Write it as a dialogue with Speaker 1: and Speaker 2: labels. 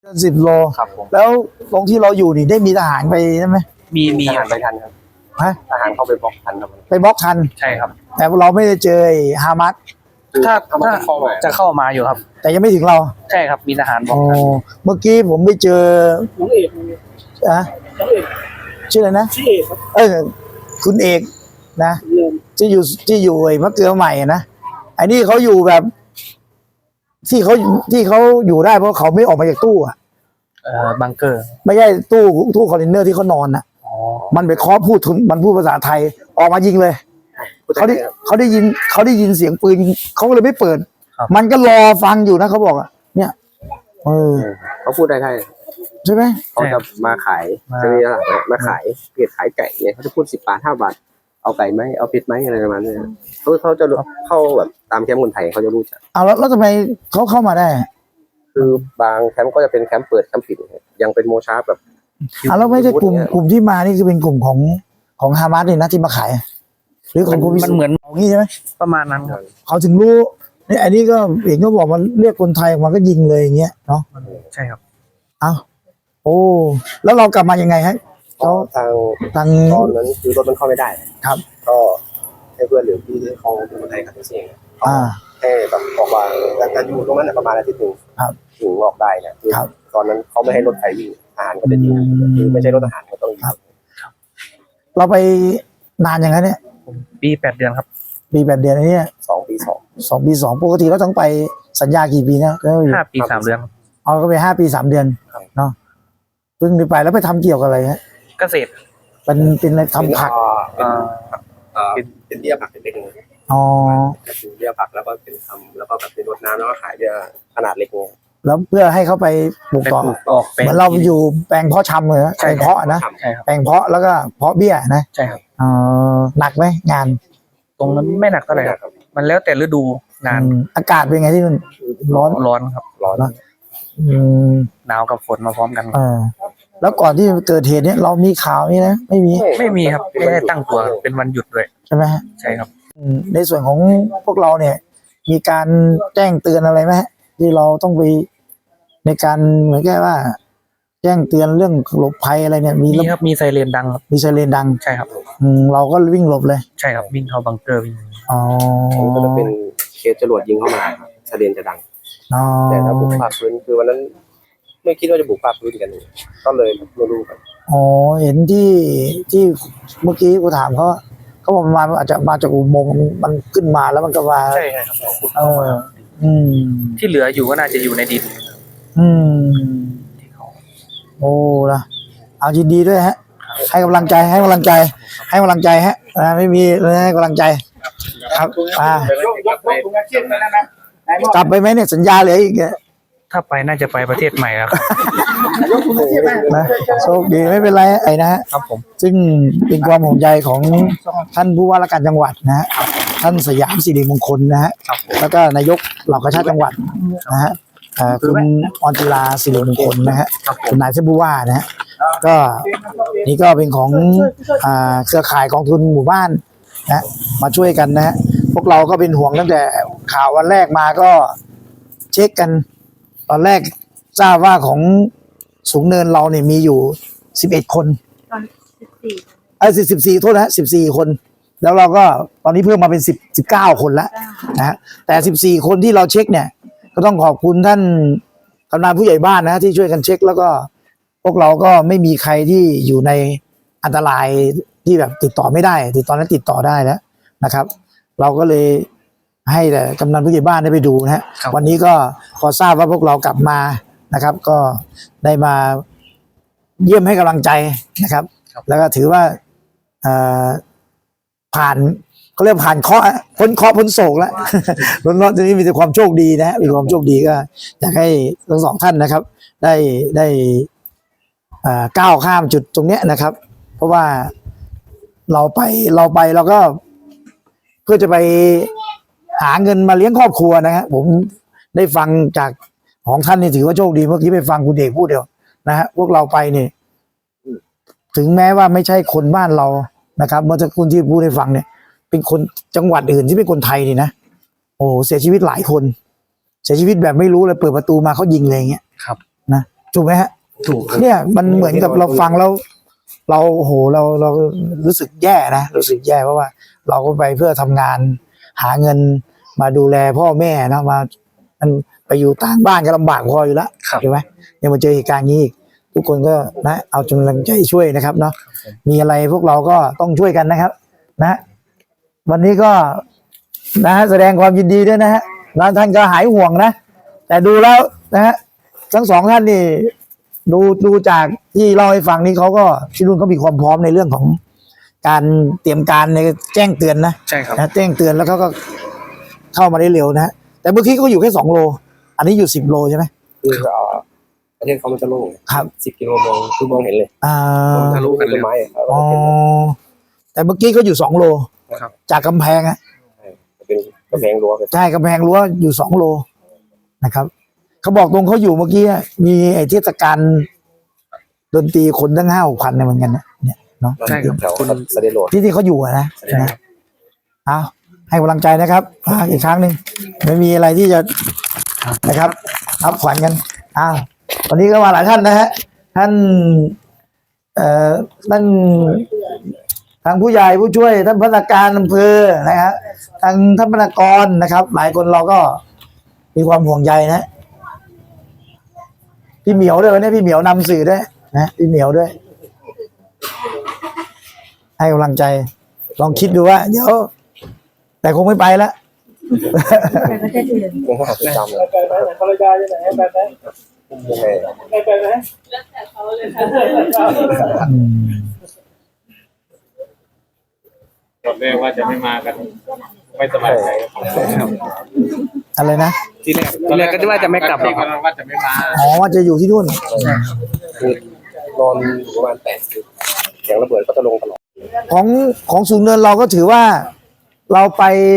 Speaker 1: 10 โล
Speaker 2: ครับผม
Speaker 1: แล้วตรงที่เราอยู่นี่ได้มีทหารไปใช่ไหม
Speaker 2: มีทหารไปทันครับ
Speaker 1: ฮะ
Speaker 2: ทหารเข้าไปบล็อกทันครับ
Speaker 1: ไปบล็อกทัน
Speaker 2: ใช่ครับ
Speaker 1: แต่เราไม่ได้เจอฮามัส
Speaker 2: ถ้าเข้ามาจะเข้ามาอยู่ครับ
Speaker 1: แต่ยังไม่ถึงเรา
Speaker 2: ใช่ครับมีทหารบล็อ
Speaker 1: อ๋
Speaker 2: ก
Speaker 1: อ
Speaker 2: ทัน
Speaker 1: เมื่อกี้ผมไปเจอน้องเอกอะชื่ออะไรนะชื่อเอกครับคุณเอกนะที่อยู่ไอ้มะเกลือใหม่นะไอ้นี่เขาอยู่แบบ ที่เขาอยู่ได้เพราะเขาไม่ออกมาจากตู้อะ
Speaker 2: บังเกอร์
Speaker 1: ไม่ใช่ตู้คอนเทนเนอร์ที่เขานอนน่ะ
Speaker 2: อ๋อ
Speaker 1: มันไปเคาะมันพูดภาษาไทยออกมายิงเลยเขาได้ยินเสียงปืนเขาก็เลยไม่เปิด มันก็รอฟังอยู่นะเขาบอกอ่ะเนี่ย
Speaker 2: เขาพูดได้
Speaker 1: ใช่ไหม
Speaker 2: เขาจะมาขายจะมีอะไรมาขายเพียรขายไก่เนี่ยเขาจะพูด10 บาท 5 บาทเอาไก่ไหมเอาเป็ดไหมอะไรประมาณนี้เขาจะเข้าแบบตามแคมป์คนไทยเขาจะรู้จัก
Speaker 1: แล้วทำไมเขาเข้ามาได้
Speaker 2: คือบางแคมป์ก็จะเป็นแคมป์เปิดแคมป์ปิดยังเป็นโมชาร์แบบ
Speaker 1: แล้วไม่ใช่กลุ่มที่มานี่คือเป็นกลุ่มของฮามาสเลยนะที่มาขายหรือของกลุ่มมันเหมือนงี้ใช่ไหม
Speaker 2: ประมาณนั้นครับ
Speaker 1: เขาถึงรู้นี่อันนี้ก็เอกก็บอกมันเรียกคนไทยออกมาก็ยิงเลยอย่างเงี้ยเนาะ
Speaker 2: ใช่ครับ
Speaker 1: โอ้แล้วเรากลับมายังไงฮะเขาทาง
Speaker 2: ตอนนั้นคือรถมันเข้าไม่ได้
Speaker 1: ครับ
Speaker 2: ก็ให้เพื่อนหรือพี่ที่เขาเป็นคนไทยขับแท็กซี่ให้แบบออกมาแต่อยู่ตรงนั้นประมาณอาทิตย์นึงถึงออกได้เนี่ยคือตอนนั้นเขาไม่ให้รถไฟวิ่งทหารก็จะยิงคือไม่ใช่รถทหารก็ต้องยิง
Speaker 1: เราไปนานอย่างนั้นเนี่ย
Speaker 2: ปี 8 เดือนครับ
Speaker 1: ปี 8 เดือนอันนี้
Speaker 2: 2 ปี
Speaker 1: 2 ปี 2ปกติเราต้องไปสัญญากี่ปีนะ
Speaker 2: 5 ปี 3 เดือน
Speaker 1: เอาก็ไป5 ปี 3 เดือนเนาะเพิ่งไปแล้วไปทำเกี่ยวกับอะไรฮะ
Speaker 2: เกษตร
Speaker 1: เป็นอะไรทำผัก
Speaker 2: เป็นเบี้ยผักเป็นเล็ก
Speaker 1: อ๋อ
Speaker 2: เป็นเบี้ยผักแล้วก็เป็นทำแล้วก็แบบเป็นรดน้ำแล้วก็ขายเบี้ยขนาดเล็ก
Speaker 1: แล้วเพื่อให้เขาไปปลูกต่อเหมือนเราอยู่แปลงเพาะชำเลยแปลงเพาะนะแปลงเพาะแล้วก็เพาะเบี้ยนะ
Speaker 2: ใช่ครับ
Speaker 1: หนักไหมงาน
Speaker 2: ตรงนั้นไม่หนักเท่าไหร่ครับมันแล้วแต่ฤดูงาน
Speaker 1: อากาศเป็นไงที่มันร้อน
Speaker 2: ครับร้อนหนาวกับฝนมาพร้อมกัน
Speaker 1: แล้วก่อนที่เกิดเหตุเนี่ยเรามีข่าวนี่นะไม่
Speaker 2: มีครับไม่ได้ตั้งตัวเป็นวันหยุดด้วย
Speaker 1: ใช่ไหม
Speaker 2: ใช่ครับ
Speaker 1: ในส่วนของพวกเราเนี่ยมีการแจ้งเตือนอะไรไหมที่เราต้องไปในการเหมือนแค่ว่าแจ้งเตือนเรื่องหลบภัยอะไรเนี่ย
Speaker 2: มีครับมีไซเรนดังครับ
Speaker 1: มีไซเรนดัง
Speaker 2: ใช่ครับ
Speaker 1: เราก็วิ่งหลบเลย
Speaker 2: ใช่ครับวิ่งเข้าบังเกอร์วิ่ง
Speaker 1: ก็
Speaker 2: จะเป็นเคสจรวดยิงเข้ามาไซเรนจะดังแต่ถ้าบุกภาคพื้นคือวันนั้นไม่คิดว่าจะบุกภาคพื้นกันก็เลยไม่รู้กัน
Speaker 1: เห็นที่เมื่อกี้กูถามเขาบอกมาอาจจะมาจากอุโมงค์มันขึ้นมาแล้วมันก็มา
Speaker 2: ใช่ครับที่เหลืออยู่ก็น่าจะอยู่ในดิน
Speaker 1: โอ้ละเอายินดีด้วยฮะให้กำลังใจฮะไม่มีให้กำลังใจครับกลับไปไหมเนี่ยสัญญาเหลืออีก
Speaker 2: ถ้าไปน่าจะไปประเทศใหม่แล้ว
Speaker 1: นะโชคดีไม่เป็นไรไอ้นะฮะ
Speaker 2: ครับผม
Speaker 1: ซึ่งเป็นความห่วงใยของท่านผู้ว่าราชการจังหวัดนะฮะท่านสยามสิริมงคลนะฮะแล้วก็นายกเหล่ากาชาติจังหวัดนะฮะคุณออนติลาสิริมงคลนะฮะคุณนายท่านผู้ว่านะฮะก็นี่ก็เป็นของเครือข่ายกองทุนหมู่บ้านนะมาช่วยกันนะฮะพวกเราก็เป็นห่วงตั้งแต่ข่าววันแรกมาก็เช็คกันตอนแรกทราบว่าของสูงเนินเราเนี่ยมีอยู่11 คน14โทษนะ14 คนแล้วเราก็ตอนนี้เพิ่มมาเป็น19 คนแล้วนะฮะแต่14 คนที่เราเช็คเนี่ยก็ต้องขอบคุณท่านกำนันผู้ใหญ่บ้านนะที่ช่วยกันเช็คแล้วก็พวกเราก็ไม่มีใครที่อยู่ในอันตรายที่แบบติดต่อไม่ได้ตอนนั้นติดต่อได้แล้วนะครับ เราก็เลยให้แต่กำนันผู้ใหญ่บ้านได้ไปดูนะฮะวันนี้ก็พอทราบว่าพวกเรากลับมานะครับ ก็ได้มาเยี่ยมให้กำลังใจนะครับแล้วก็ถือว่าผ่านเขาเรียกผ่านเคราะห์พ้นเคราะห์พ้นโศกแล้วพ้นเคราะห์ทีนี้มีแต่ความโชคดีนะฮะมีความโชคดีก็อยากให้ทั้งสองท่านนะครับได้ก้าวข้ามจุดตรงเนี้ยนะครับเพราะว่าเราไปเราก็เพื่อจะไปหาเงินมาเลี้ยงครอบครัวนะฮะผมได้ฟังจากของท่านนี่ถือว่าโชคดีเมื่อกี้ไปฟังคุณเอกพูดเดียวนะฮะพวกเราไปเนี่ยถึงแม้ว่าไม่ใช่คนบ้านเรานะครับเมื่อสักครู่ที่พูดให้ฟังเนี่ยเป็นคนจังหวัดอื่นที่เป็นคนไทยนี่นะโอ้เสียชีวิตหลายคนเสียชีวิตแบบไม่รู้เลยเปิดประตูมาเขายิงเลยอย่างเงี้ย
Speaker 2: ครับ
Speaker 1: นะถูกไหมฮะ
Speaker 3: ถูกครับ
Speaker 1: เนี่ยมันเหมือนกับเราฟังแล้วเราโอ้โหเรารู้สึกแย่นะรู้สึกแย่เพราะว่า เราก็ไปเพื่อทำงานหาเงินมาดูแลพ่อแม่นะมามันไปอยู่ต่างบ้านก็ลำบากพออยู่แล้ว
Speaker 3: ครับ
Speaker 1: ใช่ไหมยังมาเจอเหตุการณ์นี้อีกทุกคนก็นะเอากำลังใจช่วยนะครับเนาะมีอะไรพวกเราก็ต้องช่วยกันนะครับ นะ วันนี้ก็นะแสดงความยินดีด้วยนะฮะแล้วท่านก็หายห่วงนะแต่ดูแล้วนะฮะทั้งสองท่านนี่ดูจากที่เล่าให้ฟังนี่เขาก็ที่รุ่นเขามีความพร้อมในเรื่องของการเตรียมการในแจ้งเตือนนะ
Speaker 3: ใช่ครับ
Speaker 1: นะแจ้งเตือนแล้วเขาก็เข้ามาได้เร็วนะแต่เมื่อกี้เขาอยู่แค่2 โลอันนี้อยู่10 โลใช่ไหม
Speaker 2: คือประเทศเขามันจะโล่ง
Speaker 1: ครับ
Speaker 2: 10 กิโลมองคือมองเห็นเลย
Speaker 1: อ่า
Speaker 3: ทะลุกันเลย
Speaker 2: ต้นไม้อะ
Speaker 1: อ๋อแต่เมื่อกี้เขาอยู่2 โล
Speaker 3: ครับ
Speaker 1: จากกำแพงอะ
Speaker 2: เป็นกระแพงรั้วเป็น
Speaker 1: ใช่กำแพงรั้วอยู่2 โลนะครับเขาบอกตรงเขาอยู่เมื่อกี้อะมีไอ้เทศกาลดนตรีคนตั้ง5-6 พันเนี่ยเหมือนกันนะเนี่ยเนาะ
Speaker 3: ใช่ครับ
Speaker 2: แถวสเตโรด
Speaker 1: ที่เขาอยู่อะนะ
Speaker 3: ใช่ค
Speaker 1: นะ
Speaker 3: รับ
Speaker 1: เอาให้กำลังใจนะครับอีกครั้งหนึ่งไม่มีอะไรที่จะนะครับรับขวัญกันอ้าววันนี้ก็มาหลายท่านนะฮะท่านท่านทางผู้ใหญ่ผู้ช่วยท่านพนักงานอำเภอนะฮะทางท่านพนักงานนะครับ หลายคนเราก็มีความห่วงใยนะพี่เหมียวด้วยวันนี้พี่เหมียวนำสื่อด้วยนะพี่เหมียวด้วย ให้กำลังใจลองคิดดูว่าเดี๋ยวแต่คงไม่ไปแล้ว
Speaker 4: ไปประเทศอื่น
Speaker 2: ยังหาประจำเลย
Speaker 5: ไปไหนภรรยาอยู่ไหนไปไหน
Speaker 2: ยังไง
Speaker 5: ไปไหน
Speaker 6: ตอนแรกว่าจะไม่มากัน ไม่สบายใจ
Speaker 1: อะไรนะ
Speaker 3: ทีแรกก็ว่าจะไม่กลับหรอกครับ
Speaker 6: ว่าจะไม่มา
Speaker 1: อ๋อว่าจะอยู่ที่นู่น
Speaker 2: คือนอนอยู่ประมาณ8 คืนเสียงระเบิดก็จะลงตลอด
Speaker 1: ของสูงเนินเราก็ถือว่าเราไป